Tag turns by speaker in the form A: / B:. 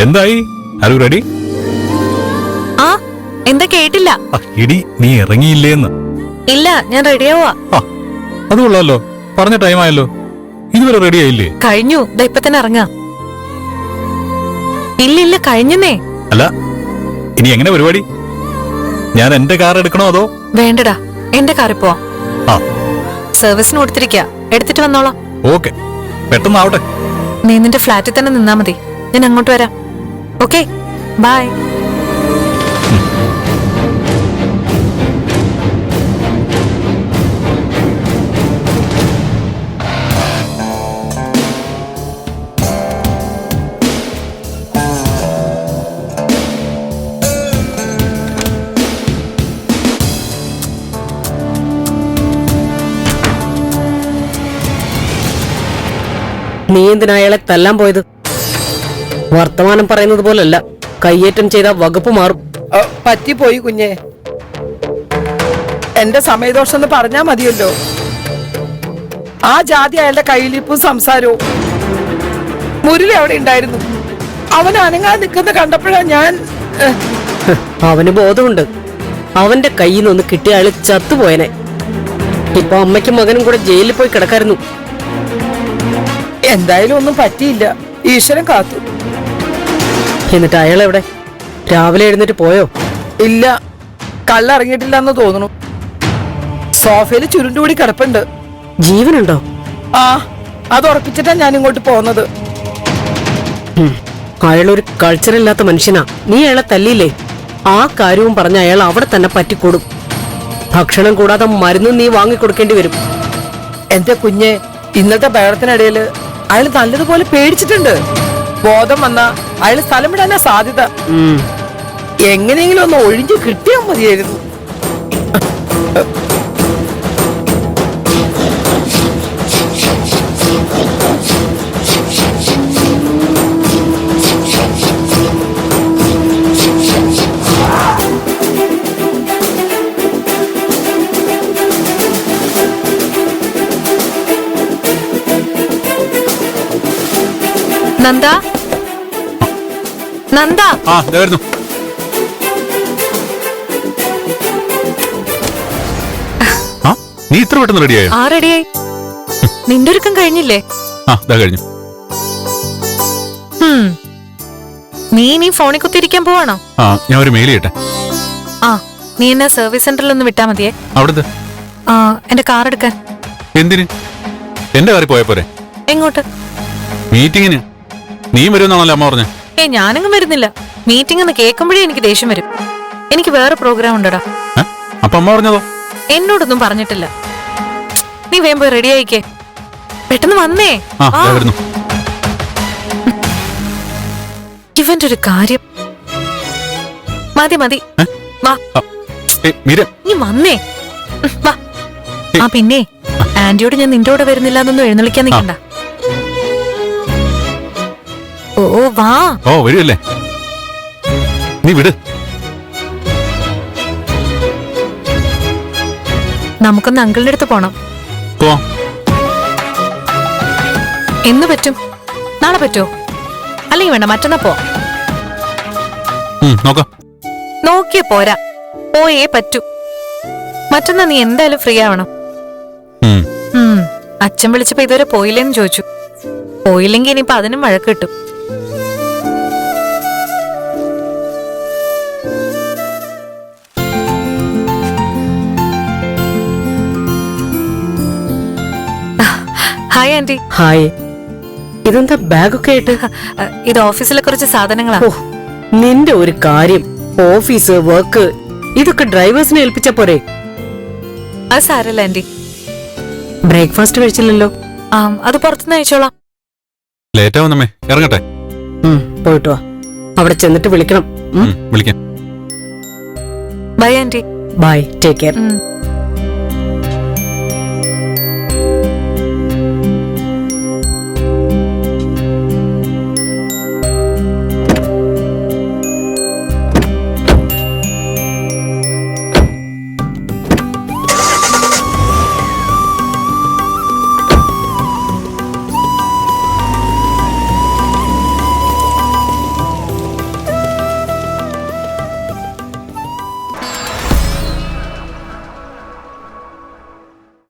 A: എന്തായി? Are you ready?
B: ആ എന്താ കേട്ടില്ല?
A: ഇടി നീ ഇറങ്ങിയില്ലേന്ന്.
B: ഇല്ല, ഞാൻ റെഡിയാവാ.
A: അത് കൊള്ളാലോ, പറഞ്ഞ ടൈം ആയല്ലോ. ഇതുവരെ റെഡി ആയില്ലേ?
B: കഴിഞ്ഞു, ഇപ്പൊ തന്നെ ഇറങ്ങാം. ഇല്ല കഴിഞ്ഞേ.
A: അല്ല, ഇനി എങ്ങനെ പരിപാടി? ഞാൻ എന്റെ കാർ എടുക്കണോ അതോ?
B: വേണ്ടടാ, എന്റെ കാറിൽ പോവാം. സർവീസിന് കൊടുത്തിരിക്ക, എടുത്തിട്ട് വന്നോളാം.
A: ഓക്കെ, പെട്ടെന്നാവട്ടെ.
B: നീ നിന്റെ ഫ്ലാറ്റിൽ തന്നെ നിന്നാ മതി, ഞാൻ അങ്ങോട്ട് വരാം. Okay, bye.
C: നീ എന്തിനാ അയാളെ തല്ലാൻ പോയത്? വർത്തമാനം പറയുന്നത് പോലല്ല, കയ്യേറ്റം ചെയ്ത വകുപ്പ് മാറും.
D: പറ്റിപ്പോയി കുഞ്ഞെ, എന്റെ സമയദോഷം എന്ന് പറഞ്ഞാ മതിയല്ലോ. ആ ജാതി അയാളുടെ കയ്യിലിപ്പും സംസാരവും. മുരളി അവിടെ ഉണ്ടായിരുന്നു, അവൻ അനങ്ങാൻ നിൽക്കുന്ന കണ്ടപ്പോഴാ ഞാൻ.
C: അവന് ബോധമുണ്ട്, അവന്റെ കയ്യിൽ നിന്ന് കിട്ടിയ അയാള് ചത്തുപോയനെ. ഇപ്പൊ അമ്മയ്ക്കും മകനും കൂടെ ജയിലിൽ പോയി കിടക്കായിരുന്നു.
D: എന്തായാലും ഒന്നും പറ്റിയില്ല, ഈശ്വരൻ കാത്തു.
C: എന്നിട്ട് അയാൾ എവിടെ? രാവിലെ എഴുന്നേറ്റ് പോയോ?
D: ഇല്ല, കള്ളിറങ്ങിയിട്ടില്ലെന്ന് തോന്നുന്നു. സോഫയിൽ ചുരുണ്ടുകൂടി കിടപ്പുണ്ട്.
C: ജീവനുണ്ടോ?
D: ആ, അത് ഉറപ്പിച്ചിട്ടാ ഞാൻ ഇങ്ങോട്ട് പോന്നത്.
C: അയാളൊരു കൾച്ചറില്ലാത്ത മനുഷ്യനാ. നീ അയാളെ തല്ലിയില്ലേ? ആ കാര്യവും പറഞ്ഞ അയാൾ അവിടെ തന്നെ പറ്റിക്കൂടും. ഭക്ഷണം കൂടാതെ മരുന്ന് നീ വാങ്ങിക്കൊടുക്കേണ്ടി വരും.
D: എന്റെ കുഞ്ഞെ, ഇന്നത്തെ ബഹളത്തിനിടയില് അയാൾ നല്ലതുപോലെ പേടിച്ചിട്ടുണ്ട്. ബോധം വന്ന അയാൾ സ്ഥലം വിടാനാ സാധ്യത. എങ്ങനെയെങ്കിലും ഒന്ന് ഒഴിഞ്ഞു കിട്ടിയാൽ മതിയായിരുന്നു.
B: നന്ദ, നന്ദ.
A: നീ ഇത്ര പെട്ടെന്ന് റെഡിയായോ?
B: ആ, റെഡിയായി. നിന്റെ ഒരുക്കം കഴിഞ്ഞില്ലേ?
A: കഴിഞ്ഞു.
B: നീ ഫോണിൽ കുത്തിയിരിക്കാൻ പോവാണോ?
A: ഞാൻ ഒരു മെയിൽ ചെയ്യട്ടെ.
B: നീ എന്നെ സർവീസ് സെന്ററിൽ ഒന്ന് വിട്ടാ മതിയേ.
A: അവിടുത്തെ
B: എന്റെ കാർ എടുക്കാൻ.
A: എന്തിന്? എന്റെ കാറിൽ പോയാ പോരെ?
B: എങ്ങോട്ട്?
A: മീറ്റിങ്ങിന്. നീ വരുമെന്നാണല്ലോ അമ്മ പറഞ്ഞേ.
B: ഞാനങ്ങും വരുന്നില്ല. മീറ്റിംഗ് എന്ന് കേൾക്കുമ്പോഴേ എനിക്ക് ദേഷ്യം വരും. എനിക്ക് വേറെ പ്രോഗ്രാം ഉണ്ടടാ.
A: അപ്പൊ അമ്മ പറഞ്ഞതോ?
B: എന്നോടൊന്നും പറഞ്ഞിട്ടില്ല. നീ വേഗം പോയി റെഡി ആയിക്കേ, പെട്ടെന്ന് വന്നേ. ഇവന്റെ ഒരു കാര്യം. മതി മതി, വാ. നീ വന്നേ, വാ. പിന്നെ ആന്റിയോട് ഞാൻ നിന്റെ കൂടെ വരുന്നില്ല എന്നൊന്നും എഴുന്നള്ളിക്കാൻ നിൽക്കണ്ട. ഓ വാ.
A: വരുമല്ലേ? നീ വിട്.
B: നമുക്കൊന്ന് അങ്കിളിന്റെ അടുത്ത് പോണം. എന്ന് പറ്റും? നാളെ പറ്റുമോ? അല്ലെങ്കിൽ വേണ്ട, മറ്റന്നാ പോ. നോക്കിയേ പോരാ, പോയേ പറ്റൂ. മറ്റന്നാ നീ എന്തായാലും ഫ്രീ ആവണം. അച്ഛൻ വിളിച്ചപ്പോ ഇതുവരെ പോയില്ലേന്ന് ചോദിച്ചു. പോയില്ലെങ്കിൽ ഇനിയിപ്പോ അതിനും വഴക്ക് കിട്ടും. Hi aunty.
C: ഹായ്. ഇതെന്താ ബാഗൊക്കെ ആയിട്ട്?
B: ഇത് ഓഫീസിലെ കുറച്ച് സാധനങ്ങളാ.
C: നിന്റെ ഒരു കാര്യം, ഓഫീസ് വർക്ക് ഇതൊക്കെ ഡ്രൈവേഴ്സിനെ ഏൽപ്പിച്ച പോരെ?
B: അത് സാരല്ല ആന്റി.
C: ബ്രേക്ക്ഫാസ്റ്റ് കഴിച്ചില്ലല്ലോ.
B: അത് പുറത്തുനിന്ന് കഴിച്ചോളാം.
A: ലേറ്റ് ആവുന്നമ്മേ, ഇറങ്ങട്ടെ.
C: പോയിട്ട് വാ, അവിടെ ചെന്നിട്ട് വിളിക്കണം.
A: വിളിക്കാം.
B: Bye aunty.
C: Bye, take care.